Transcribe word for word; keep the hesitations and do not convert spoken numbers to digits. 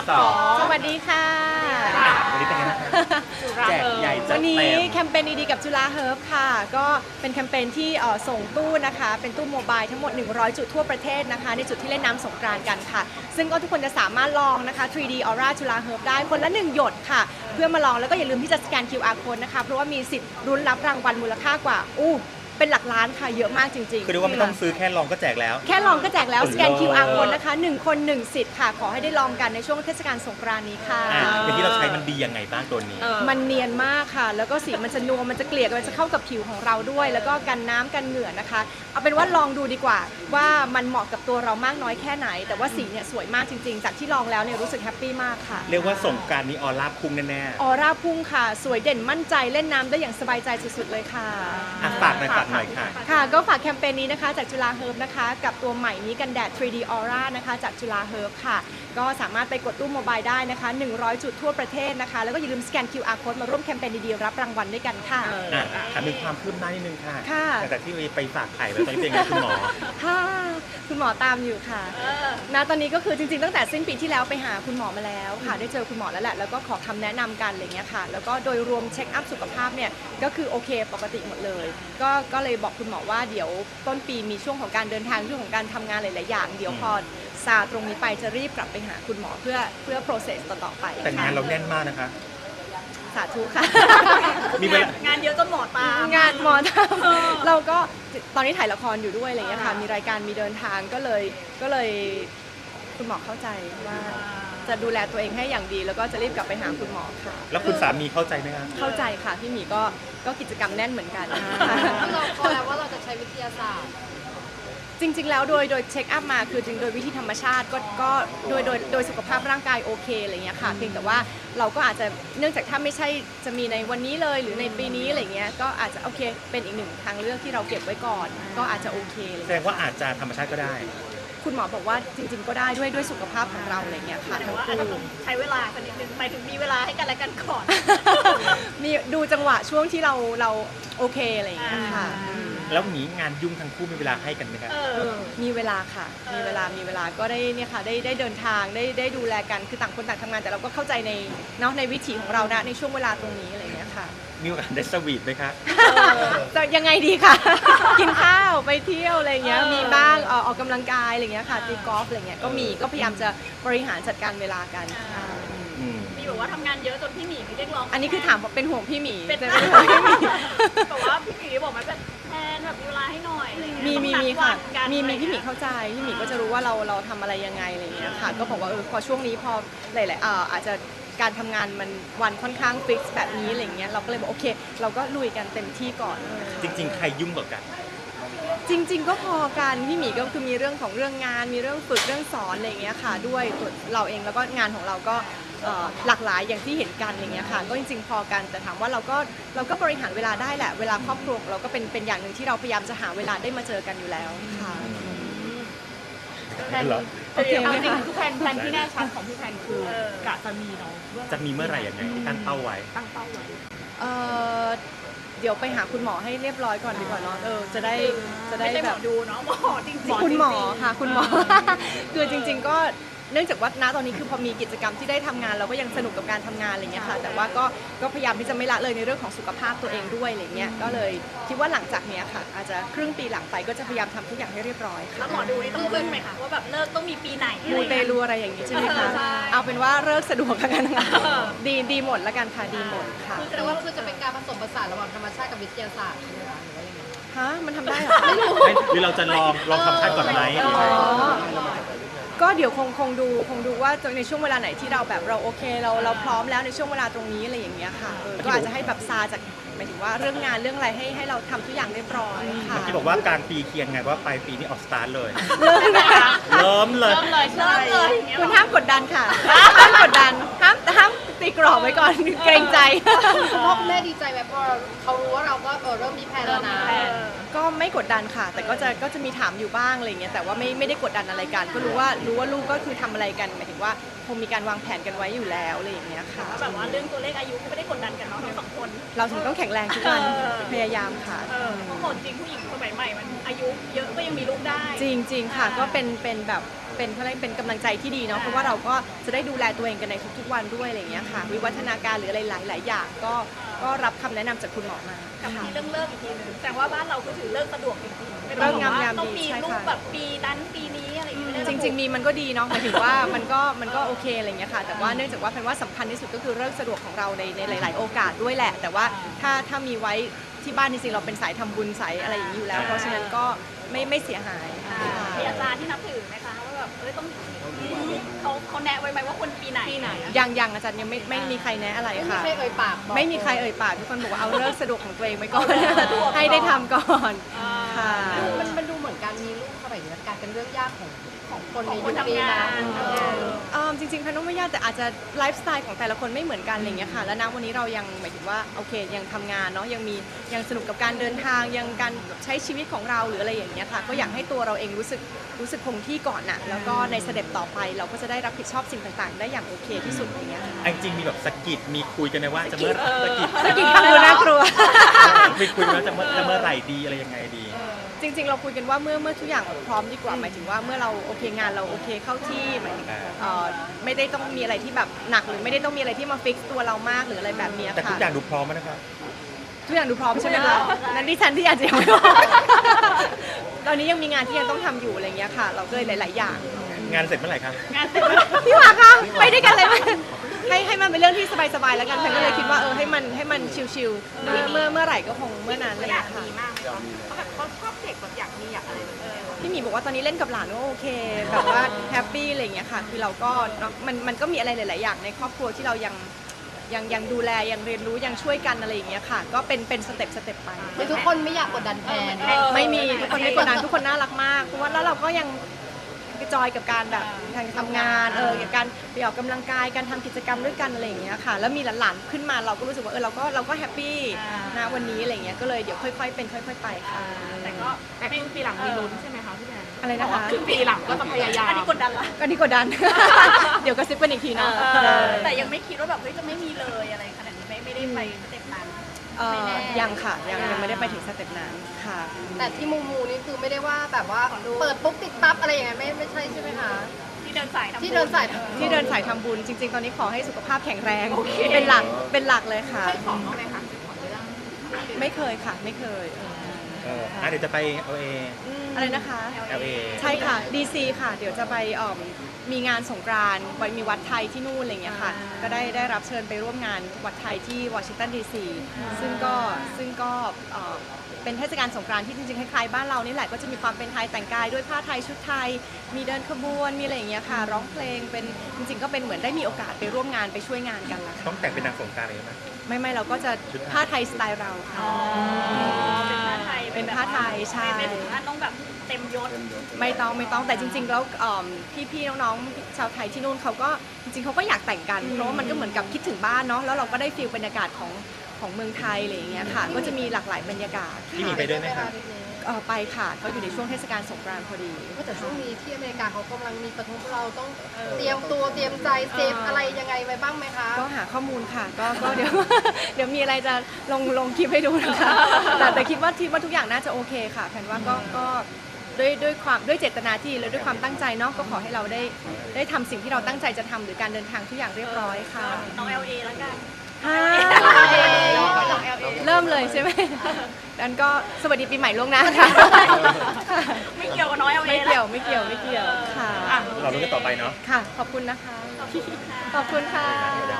สองสวัสดีค่ะวันนี้เป็นไงบ้างครับแจกใหญ่จัดวันนี้เต็มแคมเปญดีๆกับจุฬาเฮิร์บค่ะก็เป็นแคมเปญที่เอ่อส่งตู้นะคะเป็นตู้โมบายทั้งหมดหนึ่งร้อยจุดทั่วประเทศนะคะในจุดที่เล่นน้ำสงกรานต์กันค่ะซึ่งก็ทุกคนจะสามารถลองนะคะ ทรี ดี Aura จุฬาเฮิร์บได้คนละหนึ่งหยดค่ะเพื่อมาลองแล้วก็อย่าลืมที่จะสแกน คิว อาร์ Code นะคะเพราะว่ามีสิทธิ์รุ้นรับรางวัลมูลค่ากว่าอู้เป็นหลักล้านค่ะเยอะมากจริงๆคือเรียกว่าไม่ต้องซื้อแค่ลองก็แจกแล้วแค่ลองก็แจกแล้วสแกนโอ้โหคิว อาร์ Code นะคะหนึ่งคนหนึ่งสิทธิ์ค่ะขอให้ได้ลองกันในช่วงเทศกาลสงกรานต์นี้ค่ะอ่ะอย่างที่เราใช้มันดียังไงบ้างตัวนี้มันเนียนมากค่ะ แล้วก็สีมันจะนัวมันจะเกลี่ยกันมันจะเข้ากับผิวของเราด้วย แล้วก็กันน้ำกันเหงื่อนะคะ เอาเป็นว่าลองดูดีกว่า ว่ามันเหมาะกับตัวเรามากน้อยแค่ไหน แต่ว่าสีเนี่ยสวยมากจริงๆ จากที่ลองแล้วเนี่ยรู้สึกแฮปปี้มากค่ะเรียกว่าสงกรานต์นี้ออร่าพุ่งแน่ออร่าพุ่งค่ะ สวยเด่นมั่นใจเล่นน้ำได้อย่างสบายใจสุดๆเลยค่ะๆอ่ะฝากหน่อยฝากหน่อยค่ะค่ะ ก็ฝากแคมเปญนี้นะคะจากจุฬาเฮิร์บนะคะกับตัวใหม่นี้กันแดด ทรี ดี Aura นะคะจากจุฬาเฮิร์บค่ะก็สามารถไปกดตู้โมบายได้นะคะหนึ่งร้อยจุดทั่วประเทศนะคะแล้วก็อย่าลืมสแกน คิว อาร์ Code มาร่วมแคมเปญดีๆรับรางวัลด้วยกันค่ะอ่ะถามถึงความคืบหน้านิดนึงค่ะค่ะหลังจากที่ไปฝากไข่แล้วตอนนี้เป็นไงคุณหมอค่ะคุณหมอตามอยู่ค่ะณตอนนี้ก็คือจริงๆตั้งแต่สิ้นปีที่แล้วไปหาคุณหมอมาแล้วค่ะได้เจอคุณหมอแล้วแหละแล้วก็ขอคำแนะนำกันอะไรเงี้ยค่ะแล้วก็โดยรวมเช็คอัพสุขภาพเนี่ยก็คือโอเคปกติหมดเลยก็ก็เลยบอกคุณหมอว่าเดี๋ยวต้นปีมีช่วงของการเดินทางช่วงของการทำงานหลายๆอย่างเดี๋ยวพอซาตรงนี้ไปจะรีบกลับไปหาคุณหมอเพื่อเพื่อ process ต่อๆไปแต่งานเราแน่นมากนะคะสาธุค่ะมีเวลางานเยอะจนหมอตามงานหมอทำเราก็ตอนนี้ถ่ายละครอยู่ด้วยอะไรเงี้ยค่ะมีรายการมีเดินทางก็เลยก็เลยคุณหมอเข้าใจว่าจะดูแลตัวเองให้อย่างดี แล้วก็จะรีบกลับไปหาคุณหมอค่ะแล้วคุณสามีเข้าใจไหมคะเข้าใจค่ะพี่หมีก็ก็กิจกรรมแน่นเหมือนกันเราพอแล้วว่าเราจะใช้วิทยาศาสตร์จริงๆแล้วโดยโดยเช็คอัพมาคือจริงโดยวิธีธรรมชาติก็ก็โดยโดยโดยสุขภาพร่างกายโอเคอะไรเงี้ยค่ะเพียงแต่ว่าเราก็อาจจะเนื่องจากถ้าไม่ใช่จะมีในวันนี้เลยหรือในปีนี้อะไรเงี้ยก็อาจจะโอเคเป็นอีกหนึ่งทางเลือกที่เราเก็บไว้ก่อน ก็อาจจะโอเคเลยแสดงว่าอาจจะธรรมชาติก็ได้คุณหมอบอกว่าจริงๆก็ได้ด้วยด้วยสุขภาพของเราอะไรเงี้ยค่ะแต่ทั้งว่าอาจจะคู่ต้องใช้เวลาสักนิดนึงหมายถึงมีเวลาให้กันและกันก่อนมีดูจังหวะช่วงที่เราเราโอเคอะไรอย่างเงี้ยค่ะแล้วหนีงานยุ่งทั้งคู่มีเวลาให้กันไหมคะเออมีเวลาค่ะ มีเวลามีเวลาก็ได้เนี่ยค่ะได้ได้เดินทางได้ได้ดูแลกันคือต่างคนต่างทำงานแต่เราก็เข้าใจในเนาะในวิถีของเรานะในช่วงเวลาตรงนี้อะไรอย่างเงี้ยค่ะมีโอกาสได้สวีทไหมคะจะยังไงดีค่ะ กินข้าวไปเที่ยวอะไรเงี้ยมีบ้างเอ่อออกกำลังกายอะไรเงี้ยค่ะตีกอล์ฟอะไรเงี้ยก็มีก็พยายามจะบริหารจัดการเวลากันค่ะอืมมีแบบว่าทำงานเยอะจนพี่หมีไม่เรียกร้องอันนี้คือถามเป็นห่วงพี่หมีเป็นแต่ไม่ได้ห่วงพี่หมีแต่ว่าพี่หมีบอกมันเป็นแทนแบบมีเวลาให้หน่อยอะไรเงี้ยมีมีมีต้องนัดค่ะวันกันมีมีอะไรพี่หมีเงี้ยเข้าใจพี่หมีก็จะรู้ว่าเราเราทำอะไรยังไงอะไรเงี้ยค่ะก็บอกว่าเออพอช่วงนี้พอหลายๆเอ่ออาจจะการทำงานมันวันค่อนข้างฟิกซ์แบบนี้อะไรเงี้ยเราก็เลยบอกโอเค เราก็ลุยกันเต็มที่ก่อนจริง ๆ ใครยุ่งกว่ากันจริง ๆ ก็พอกันพี่หมีก็คือมีเรื่องของเรื่องงานมีเรื่องฝึกเรื่องสอนอะไรเงี้ยค่ะด้วยตัวเราเองแล้วก็งานของเราก็เอ่อหลากหลายอย่างที่เห็นกันอะไรเงี้ยค่ะก็จริง ๆ พอกันแต่ถามว่าเราก็เราก็บริหารเวลาได้แหละเวลาครอบครัวของเราก็เป็นเป็นอย่างหนึ่งที่เราพยายามจะหาเวลาได้มาเจอกันอยู่แล้วค่ะเหรอโอเคไหมจริงคะๆทุกแผนแผนที่แน่ชัดของพี่แผนคือกะจะมีเนาะจะมีเมื่อไหร่ยังไงที่ตั้งเป้าไว้ตั้งเป้าไว้เอ่อเดี๋ยวไปหาคุณหมอให้เรียบร้อยก่อนดีกว่าเนาะเออจะได้จะได้ไม่ใช่หแบมอบ ดูเนาะหมอจริงๆคุณหมอค่ะคุณหมอ คือจริง ๆ ก็เนื่องจากว่าณตอนนี้คือพอมีกิจกรรมที่ได้ทำงานเราก็ยังสนุกกับการทำงานอะไรเงี้ยค่ะแต่ว่าก็ก็พยายามที่จะไม่ละเลยในเรื่องของสุขภาพตัวเองด้วยอะไรเงี้ยก็เลยคิดว่าหลังจากเนี้ยค่ะอาจจะครึ่งปีหลังไปก็จะพยายามทำทุกอย่างให้เรียบร้อยแล้ค่ะวหมอดูนี่ต้องขึ้นไหมคะว่าแบบเลิกต้องมีปีไหนมูเตลูอะไรอย่างนี้ใช่ไหมคะใช่เอาเป็นว่าเลิกสะดวกกันนะดีดีหมดละกันค่ะดีหมดค่ะแสดงว่าคือจะเป็นการผสมผสานระหว่างธรรมชาติกับวิทยาศาสตร์ใช่ไหมคะหรือว่ายังไงฮะมันทำได้เหรอไม่หรือเราจะลองลองทำชาติก่อนไหมหรือไงก็เดี๋ยวคงคงดูคงดูว่าในช่วงเวลาไหนที่เราแบบเราโอเคเราเราพร้อมแล้วในช่วงเวลาตรงนี้อะไรอย่างเงี้ยค่ะเออก็อาจจะให้แบบซาจากหมายถึงว่าเรื่องงานเรื่องอะไรให้ให้เราทำทุกอย่างเรียบร้อยค่ะที่บอกว่ากลางปีเคียงไงว่าปลายปีนี้ออกสตาร์ทเลยเริ่มนะคะเริ่มเลยเริ่มเลยใช่เริ่มเลยอย่างเงี้ยคุณห้ามกดดันค่ะห้ามกดดันห้ามห้ามตีกรอบไว้ก่อนเกรงใจพ่อคุณแม่ดีใจไหมพอเขารู้ว่าเราก็เออเริ่มมีแผนแล้วนะก็ไม่กดดันค่ะ แต่ก็จะก็จะมีถามอยู่บ้างอะไรเงี้ยแต่ว่าไม่ไม่ได้กดดันอะไรกัน ก็รู้ว่ารู้ว่าลูกก็คือทำอะไรกันหมายถึงว่าคงมีการวางแผนกันไว้อยู่แล้วอะไรอย่างเงี้ยค่ะแบบว่าเรื่องตัวเลขอายุก็ไม่ได้กดดันกันเนาะทั้งสองคนเราถึงต้องแข็งแรงทุกวันเออพยายามค่ะเออเพราะโหดจริงผู้หญิงสมัยใหม่มันอายุเยอะก็ยังมีลูกได้จริงจริงๆค่ะก็เป็นเป็นแบบเเป็นเขาเรียกเป็นกำลังใจที่ดีเนาะเพราะว่าเราก็จะได้ดูแลตัวเองกันในทุกๆวันด้วยอะไรอย่างเงี้ยค่ะวิวัฒนาการหรืออะไรหลายๆอย่างก็ก็รับคำแนะนำจากคุณหมอมากับค่ะที่เรื่องเลิกอีกทีนึงแต่ว่าบ้านเราก็ถือเลิกสะดวกจริงๆไม่เลิต้องกงามว่ยามดีต้องมีใช่ค่ะลูกแบบปีนั้นปีนี้อะไรอย่างเงี้ยไม่ได้จริง ๆ มีมันก็ดีเนาะหมายถึงว่ามันก็มันก็โอเคอะไรอย่างเงี้ยค่ะแต่ว่าเนื่องจากว่าเป็นว่าสำคัญที่สุดก็คือเรื่องสะดวกของเราในในหลาย ๆ โอกาสด้วยแหละ แต่ว่าถ้าถ้ามีไว้ที่บ้านจริงๆเราเป็นสายทำบุญสายอะไรอย่างนี้อยู่แล้ว เพราะฉะนั้นก็ไม่ไม่เสียหายมีอาจารย์ที่นับถือไหมคะว่าแบบเอ้ยต้องเขาเขาแนะไว้ไหมว่าคนปีไหนปีไหนยังยังอาจารย์ยังไม่ไม่มีใครแนะอะไรไม่มีค่ะใครเอ่ยปากบอกไม่มีใครเอ่ยปากทุกคนบอกว่าเอาเลิกสะดวกของตัวเองไว้ก่อนให้ได้ทำก่อนค่ะมันมันดูเหมือนการมีลูกสมัยนี้การเป็นเรื่องยากของของคนในของคยุนคนี้ทำงานะนเออเอิ่มจริงๆพันธุ์ไม่ยากแต่อาจจะไลฟ์สไตล์ของแต่ละคนไม่เหมือนกันอะไรอย่างเงี้ยค่ะแล้วณวันนี้เรายังหมายถึงว่าโอเคยังทำงานเนาะยังมียังสนุกกับการเดินทางยังการใช้ชีวิตของเราหรืออะไรอย่างเงี้ยค่ะก็อยากให้ตัวเราเองรู้สึกรู้สึกคงที่ก่อนน่ะแล้วก็ในสเต็ปต่อไปเราก็จะได้รับผิดชอบสิ่งต่างๆ ได้อย่างโอเคที่สุดอย่างเงี้ยค่ะอันจริงมีแบบสะกิดมีคุยกันไหมว่าจะเมื่อสะกิดสกินฟังดูน่ากลัวมีคุยกันว่าจะเมื่อจะเมื่อไหร่ดีอะไรยังไงดีจริงๆ เราคุยกันว่าเมื่อเมื่อทุกอย่างพร้อมดีกว่าหมายถึงว่าเมื่อเราโอเคงานเราโอเคเข้าที่หมายถึงเอ่อไม่ได้ต้องมีอะไรที่แบบหนักหรือไม่ได้ต้องมีอะไรที่มาฟิกตัวเรามากหรืออะไรแบบเนี้ยแต่ทุค่ะกอย่างดูพร้อมแล้วนะครับทุกอย่างดูพร้อมใช่ไหมคะนั้นดิฉันที่อาจจะยังไม่พร้อม ตอนนี้ยังมีงานที่ยังต้องทำอยู่อะไรเงี้ยค่ะ เราก็เลยหลาย ๆ อย่างงานเสร็จเมื่อไหร่ครับงานเสร็จพี่หวาคะไปด้วยกันเลยไหมให้ให้มันเป็นเรื่องที่สบาย ๆ แล้วกันฉันก็เลยคิดว่าเออให้มันให้มันชิลๆเมื่อเมื่อเมื่อไหร่ก็คงเมื่อนั้นอะไรอย่างเลยค่ะเขาชอบเด็กแบบอยากมีอยากอะไรแบบนี้พี่หมีบอกว่าตอนนี้เล่นกับหลานก็โอเค แบบว่าแฮปปี้อะไรอย่างเงี้ยค่ะคือเราก็เนอะมันมันก็มีอะไรหลาย ๆ อย่างในครอบครัวที่เรายังยังยังดูแลยังเรียนรู้ยังช่วยกันอะไรอย่างเงี้ยค่ะ ก็เป็นเป็นสเต็ปสเต็ปไปคือทุกคนไม่อยากกดดันแทนไม่มีทุกคนไม่กดดันทุกคนน่ารักมากเพราะว่าแล้วเราก็ยังจอยกับการแบบการทำงานเออการไปออกกำลังกายการทำกิจกรรมด้วยกันอะไรอย่างเงี้ยค่ะแล้วมีหลานๆขึ้นมาเราก็รู้สึกว่าเออเราก็เราก็แฮปปี้นะวันนี้อะไรอย่างเงี้ยก็เลยเดี๋ยวค่อย ๆ เป็นค่อย ๆ ไปค่ะแต่ก็แต่ครึ่งปีหลังมีลุ้นใช่ไหมคะพี่แดนอะไรนะคะครึ่งปีหลังก็จะพยายามอันนี้กดดันละก็นี่กดดัน เดี๋ยวกระซิบกันอีกทีนะแต่ยังไม่คิดว่าแบบเฮ้ยจะไม่มีเลยอะไรขนาดนี้ไม่ไม่ได้ไปสเต็ปนั้นเอ่อยังค่ะยังยังไม่ได้ไปถึงสเต็ปนั้นค่ะแต่ที่มูมูนี่คือไม่ได้ว่าแบบว่าเปิดปุ๊บติดปั๊บอะไรอย่างเงี้ยไม่ไม่ใช่ใช่ไหมคะที่เดินสายทำบุญที่เดินสายที่เดินสายทำบุญจริง ๆ ตอนนี้ขอให้สุขภาพแข็งแรงเป็นหลักเป็นหลักเลยค่ะให้ของเขาไหมคะขอเรื่องไม่เคยค่ะไม่เคยเอออ่ะเดี๋ยวจะไป แอล เออะไรนะคะแอล เอใช่ค่ะ ดี ซี ค่ะ เดี๋ยวจะไปเอิ่มมีงานสงกรานต์ไว้มีวัดไทยที่นู่นอะไรอย่างเงี้ยค่ะ ก็ได้ได้รับเชิญไปร่วมงานวัดไทยที่วอชิงตันดีซีซึ่งก็ซึ่งก็เอ่อเป็นเทศกาลสงกรานต์ที่จริงๆคล้ายๆบ้านเรานี่แหละก็จะมีความเป็นไทยแต่งกายด้วยผ้าไทยชุดไทย มีเดินขบวนมีอะไรอย่างเงี้ยค่ะ ร้องเพลงเป็นจริงๆก็เป็นเหมือนได้มีโอกาสไปร่วมงานไปช่วยงานกันละค่ะต้องแต่งเป็นนางสงกรานต์เลยไหมไม่ไม่เราก็จะผ้าไทยสไตล์เราค่ะเป็นผ้าไทยเป็นผ้าไทยใช่ไม่ถึงขั้นต้องแบบเต็มยศไม่ต้องไม่ต้องแต่จริง ๆ แล้วเอิ่มพี่ๆน้องๆชาวไทยที่นู่นเขาก็จริงๆเขาก็อยากแต่งกันเพราะว่ามันก็เหมือนกับคิดถึงบ้านเนาะแล้วเราก็ได้ฟีลบรรยากาศของของเมืองไทยอะไรอย่างเงี้ยค่ะ ก็จะมีหลากหลายบรรยากาศพี่หมีไปด้วยไหมคะเอ่อไปค่ะเขาอยู่ในช่วงเทศกาลสงกรานต์พอดีก็แต่ช่วงนี้ที่อเมริกาเขากำลังมีประท้วงเราต้องเตรียมตัวเตรียมใจเซฟอะไรยังไงไว้บ้างไหมคะก็หาข้อมูลค่ะก็ก็เดี๋ยว เดี๋ยวมีอะไรจะลงลงคลิปให้ดูนะคะแต่แต่คิดว่าคิดว่าทุกอย่างน่าจะโอเคค่ะแผนว่าก็ก็ด้วยด้วยความด้วยเจตนาที่และด้วยความตั้งใจเนาะก็ขอให้เราได้ได้ทำสิ่งที่เราตั้งใจจะทำหรือการเดินทางทุกอย่างเรียบร้อยค่ะน้อง แอล เอ แล้วกันฮ่าน้อง แอล เอเริ่มเลยใช่ไหมดันก็สวัสดีปีใหม่ล่วงหน้าค่ะไม่เกี่ยวกับน้อง แอล เอไม่เกี่ยวไม่เกี่ยวไม่เกี่ยวค่ะเรารู้กันต่อไปเนาะค่ะ ขอบคุณนะคะ ขอบคุณค่ะ